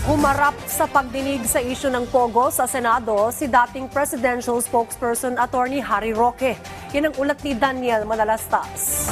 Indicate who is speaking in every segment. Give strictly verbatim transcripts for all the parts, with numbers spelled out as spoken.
Speaker 1: Humarap sa pagdinig sa isyu ng Pogo sa Senado si dating presidential spokesperson Attorney Harry Roque. Yan ang ulat ni Daniel Manalastas.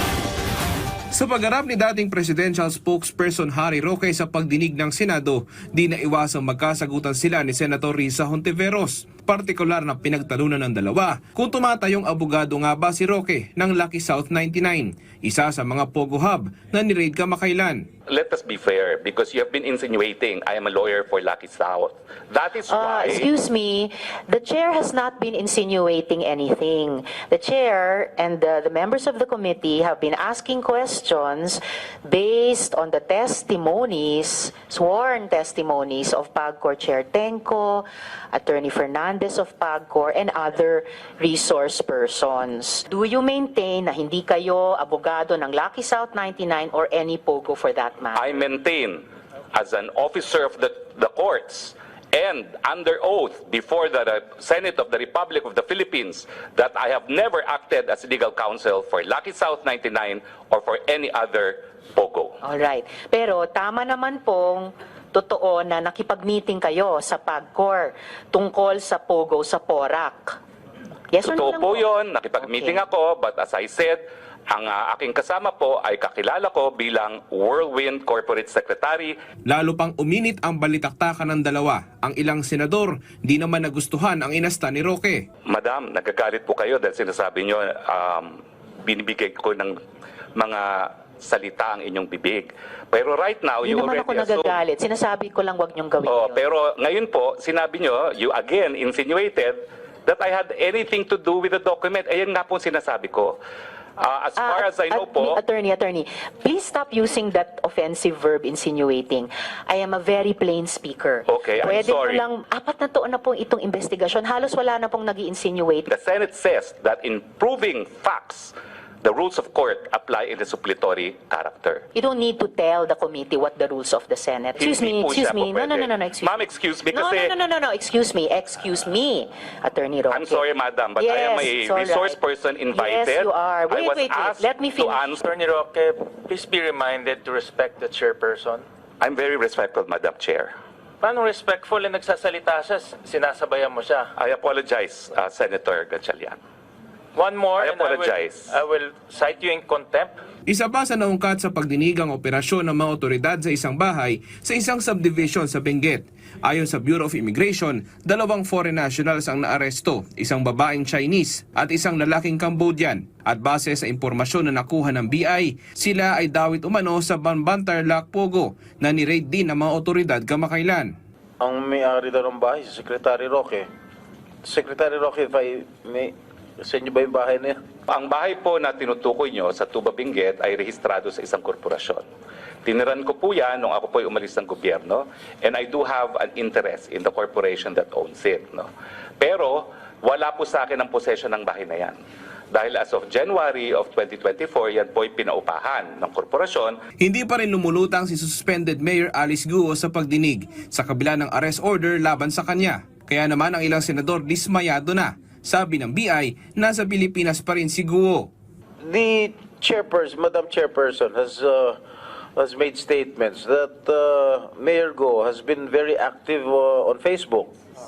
Speaker 2: Sa pagharap ni dating presidential spokesperson Harry Roque sa pagdinig ng Senado, di na iwasang magkasagutan sila ni Senator Risa Hontiveros. Partikular na pinagtalunan ng dalawa kung tumatayong abogado nga ba si Roque ng Lucky South ninety-nine, isa sa mga Pogo Hub na ni-raid kamakailan.
Speaker 3: Let us be fair, because you have been insinuating I am a lawyer for Lucky South. That is
Speaker 4: Uh,
Speaker 3: why...
Speaker 4: excuse me, the chair has not been insinuating anything. The chair and the, the members of the committee have been asking questions based on the testimonies, sworn testimonies of PAGCOR Chair Tenco, Attorney Fernandez of PAGCOR, and other resource persons. Do you maintain na hindi kayo abogado ng Lucky South ninety-nine or any Pogo for that matter?
Speaker 3: I maintain as an officer of the, the courts and under oath before the Senate of the Republic of the Philippines that I have never acted as legal counsel for Lucky South ninety-nine or for any other Pogo.
Speaker 4: Alright. Pero tama naman pong totoo na nakipag-meeting kayo sa PAGCOR tungkol sa Pogo sa Porac. Yes or no
Speaker 3: Totoo
Speaker 4: lang
Speaker 3: po yun, nakipag-meeting
Speaker 4: Okay.
Speaker 3: ako, but as I said, ang uh, aking kasama po ay kakilala ko bilang Whirlwind Corporate Secretary.
Speaker 2: Lalo pang uminit ang balitaktakan ng dalawa. Ang ilang senador di naman nagustuhan ang inasta ni Roque.
Speaker 3: Madam, nagagalit po kayo dahil sinasabi nyo, um, binibigay ko ng mga salita ang inyong bibig. Pero right now,
Speaker 4: Hindi
Speaker 3: you
Speaker 4: naman
Speaker 3: already
Speaker 4: ako
Speaker 3: assume...
Speaker 4: nagagalit. Sinasabi ko lang wag niyong gawin
Speaker 3: Oh,
Speaker 4: yun.
Speaker 3: pero ngayon po, sinabi nyo, you again insinuated that I had anything to do with the document. Ayan nga po sinasabi ko. Uh, as far
Speaker 4: Ah,
Speaker 3: as I know
Speaker 4: at-
Speaker 3: po...
Speaker 4: Attorney, attorney, please stop using that offensive verb insinuating. I am a very plain speaker.
Speaker 3: Okay, I'm
Speaker 4: Pwede
Speaker 3: sorry.
Speaker 4: mo lang, apat na taon na pong itong investigasyon, halos wala na pong nag-i-insinuate.
Speaker 3: The Senate says that in proving facts, the rules of court apply in the suppletory character.
Speaker 4: You don't need to tell the committee what the rules of the Senate. Excuse
Speaker 3: Hindi
Speaker 4: me,
Speaker 3: po
Speaker 4: excuse
Speaker 3: siya
Speaker 4: me.
Speaker 3: po
Speaker 4: No, no,
Speaker 3: pwede.
Speaker 4: no, no, no, excuse
Speaker 3: Ma'am, excuse me
Speaker 4: No,
Speaker 3: kasi...
Speaker 4: no, no, no, no, no, excuse me, excuse me, Attorney Roque.
Speaker 3: I'm sorry, madam, but I am a
Speaker 4: Yes, it's all
Speaker 3: resource
Speaker 4: right.
Speaker 3: person invited.
Speaker 4: Yes, you are.
Speaker 3: I
Speaker 4: Wait,
Speaker 3: was
Speaker 4: wait, wait.
Speaker 3: asked
Speaker 4: Let me
Speaker 3: to
Speaker 4: finish.
Speaker 3: answer.
Speaker 5: Attorney Roque, please be reminded to respect the chairperson.
Speaker 3: I'm very respectful, Madam Chair.
Speaker 5: Paano respectful na nagsasalita siya, sinasabayan mo siya?
Speaker 3: I apologize, uh, Senator Gatchalian.
Speaker 5: One more,
Speaker 3: I
Speaker 5: and I will,
Speaker 3: apologize.
Speaker 5: I will cite you in contempt.
Speaker 2: Isa pa sa naungkat sa pagdinig ang operasyon ng mga otoridad sa isang bahay sa isang subdivision sa Benguet. Ayon sa Bureau of Immigration, dalawang foreign nationals ang naaresto, isang babaeng Chinese at isang lalaking Cambodian. At base sa impormasyon na nakuha ng B I, sila ay dawit umano sa Banbantarlac, Pogo na ni-raid din ng mga otoridad kamakailan.
Speaker 6: Ang may-ari daw ng bahay, si Secretary Roque. Secretary Roque, if I may, sa inyo ba yung bahay na yan?
Speaker 3: Ang bahay po na tinutukoy nyo sa Tuba Benguet ay rehistrado sa isang korporasyon. Tiniran ko po yan nung ako po ay umalis ng gobyerno, and I do have an interest in the corporation that owns it. No? Pero wala po sa akin ang possession ng bahay na yan. Dahil as of January of twenty twenty-four, yan po ay pinaupahan ng korporasyon.
Speaker 2: Hindi pa rin lumulutang si suspended Mayor Alice Guo sa pagdinig sa kabila ng arrest order laban sa kanya. Kaya naman ang ilang senador dismayado na. Sabi ng B I, nasa Pilipinas pa rin si Guo.
Speaker 6: The chairperson, Madam Chairperson, has uh, has made statements that uh, Mayor Go has been very active uh, on Facebook.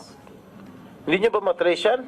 Speaker 6: Hindi niyo ba matrace yan?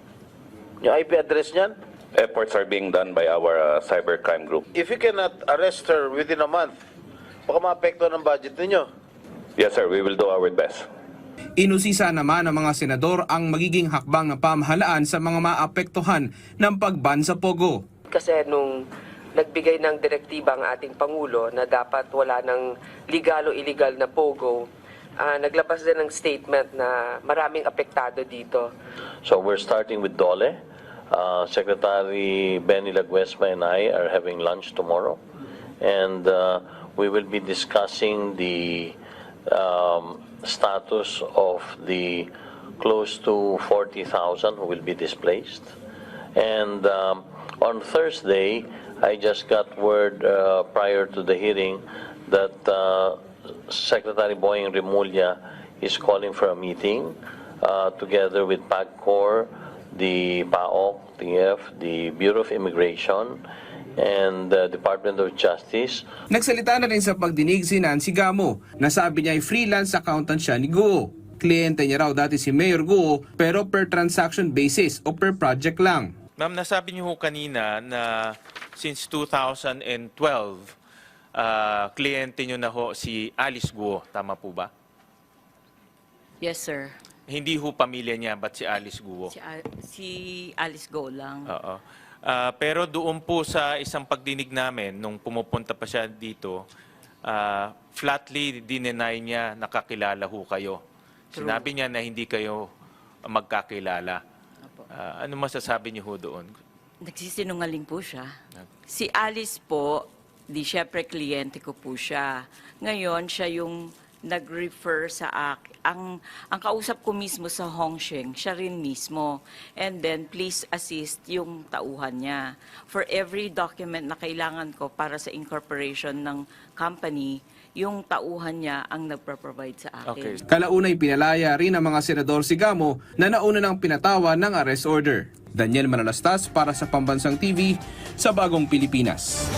Speaker 6: Yung I P address niyan?
Speaker 3: Efforts are being done by our uh, cybercrime group.
Speaker 6: If you cannot arrest her within a month, baka maapekto ng budget ninyo.
Speaker 3: Yes, sir, we will do our best.
Speaker 2: Inusisa naman ng mga senador ang magiging hakbang ng pamahalaan sa mga maapektuhan ng pagban sa Pogo.
Speaker 7: Kasi nung nagbigay ng direktiba ang ating Pangulo na dapat wala ng legal o illegal na Pogo, uh, naglabas din ng statement na maraming apektado dito.
Speaker 8: So we're starting with Dole. Uh, Secretary Benny Laguesma and I are having lunch tomorrow. And uh, we will be discussing the um, status of the close to forty thousand who will be displaced. And um, on Thursday, I just got word uh, prior to the hearing that uh, Secretary Boying Remulla is calling for a meeting uh, together with PAGCOR, the P A O C, T F, the Bureau of Immigration, and the Department of Justice.
Speaker 2: Nagsalita na rin sa pagdinig si Nancy Gamo na sabi niya ay freelance accountant siya ni Guo. Kliyente niya raw dati si Mayor Guo pero per transaction basis o per project lang.
Speaker 5: Ma'am, nasabi niyo ho kanina na since two thousand twelve, uh, kliyente niyo na ho si Alice Guo. Tama po ba?
Speaker 9: Yes, sir.
Speaker 5: Hindi ho pamilya niya, but si Alice Guo.
Speaker 9: Si, Al- si Alice Go lang.
Speaker 5: Oo. Ah, pero doon po sa isang pagdinig namin, nung pumupunta pa siya dito, ah, flatly dineny niya nakakilala ho kayo.
Speaker 9: True.
Speaker 5: Sinabi niya na hindi kayo magkakilala.
Speaker 9: Opo.
Speaker 5: Ah, ano masasabi niyo ho doon?
Speaker 9: Nagsisinungaling po siya. Si Alice po, di syempre kliyente ko po siya. Ngayon, siya yung nag-refer sa akin. Ang, ang kausap ko mismo sa Hongsheng, siya rin mismo. And then, please assist yung tauhan niya. For every document na kailangan ko para sa incorporation ng company, yung tauhan niya ang nagpro-provide sa akin.
Speaker 5: Okay.
Speaker 2: Kalaunay pinalaya rin ang mga senador si Gamo na nauna ng pinatawa ng arrest order. Daniel Manalastas para sa Pambansang T V sa Bagong Pilipinas.